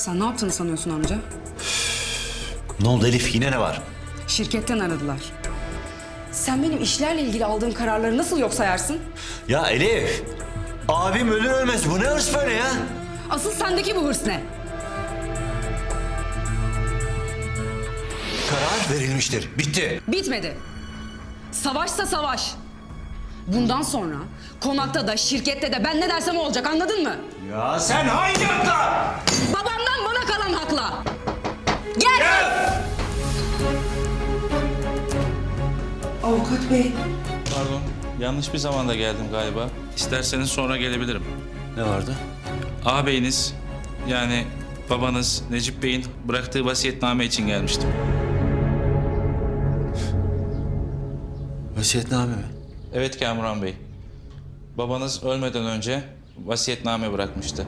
Sen ne yaptığını sanıyorsun amca? Ne oldu Elif? Yine ne var? Şirketten aradılar. Sen benim işlerle ilgili aldığım kararları nasıl yok sayarsın? Ya Elif! Abim ölür ölmez. Bu ne hırs böyle ya? Asıl sendeki bu hırs ne? Karar verilmiştir. Bitti. Bitmedi. Savaşsa savaş. Bundan sonra konakta da şirkette de ben ne dersem o olacak, anladın mı? Ya sen hangi hakla? Babamdan bana kalan hakla. Gel! Avukat bey. Pardon, yanlış bir zamanda geldim galiba. İsterseniz sonra gelebilirim. Ne vardı? Ağabeyiniz, yani babanız Necip Bey'in bıraktığı vasiyetname için gelmiştim. Vasiyetname mi? Evet Kamuran Bey. Babanız ölmeden önce vasiyetname bırakmıştı.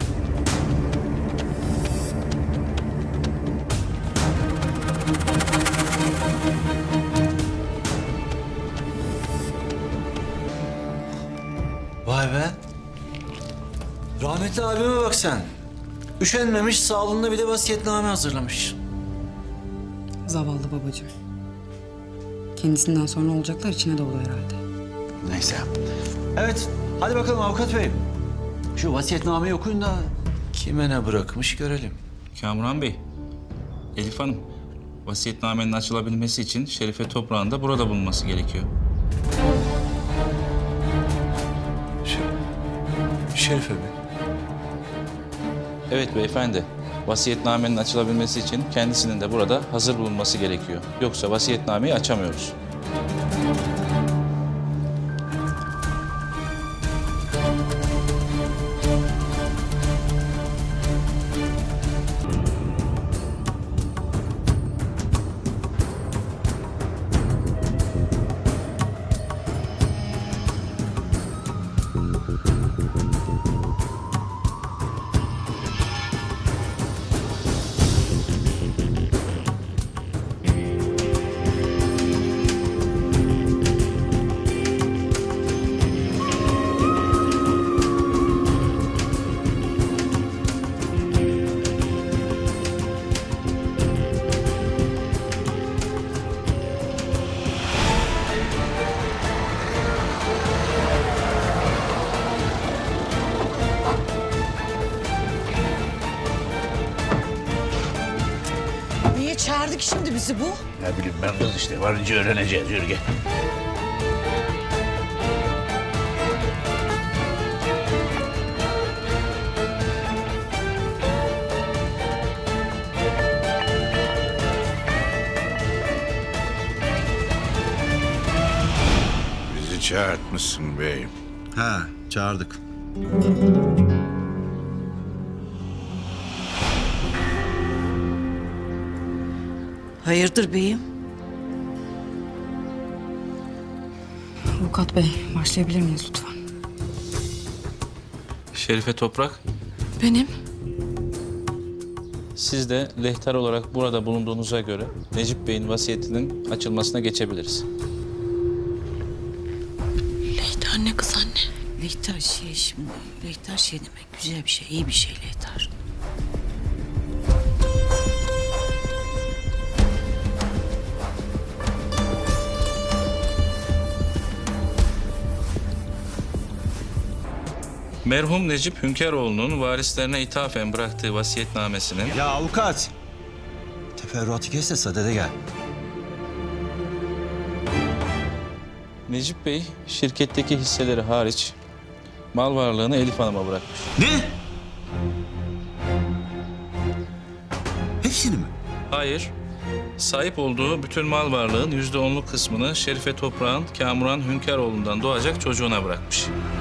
Vay be. Rahmetli abime bak sen. Üşenmemiş, sağlığında bir de vasiyetname hazırlamış. Zavallı babacığım. Kendisinden sonra olacaklar içine doğdu herhalde. Neyse. Evet, hadi bakalım avukat bey. Şu vasiyetnameyi okuyun da kime ne bırakmış görelim. Kamuran Bey, Elif Hanım, vasiyetnamenin açılabilmesi için Şerife Toprağ'ın da burada bulunması gerekiyor. Şerife mi? Evet beyefendi, vasiyetnamenin açılabilmesi için kendisinin de burada hazır bulunması gerekiyor. Yoksa vasiyetnameyi açamıyoruz. Niye çağırdık şimdi bizi bu? Ne bileyim ben kız işte. Varınca öğreneceğiz. Yürü gel. Bizi çağırtmışsın beyim. Ha, çağırdık. Hayırdır beyim? Avukat bey, başlayabilir miyiz lütfen? Şerife Toprak, Benim? siz de lehter olarak burada bulunduğunuza göre Necip Bey'in vasiyetinin açılmasına geçebiliriz. Leyter ne kız anne? Leyter şimdi. Leyter demek güzel bir şey, iyi bir şey Leyter. Merhum Necip Hünkaroğlu'nun varislerine ithafen bıraktığı vasiyetnamesinin Ya avukat. Teferruatı kes de sadede gel. Necip Bey şirketteki hisseleri hariç mal varlığını Elif Hanım'a bırakmış. Ne? Hepsini mi? Hayır, sahip olduğu bütün mal varlığın %10'luk kısmını Şerife Toprağ'ın Kamuran Hünkaroğlu'ndan doğacak çocuğuna bırakmış.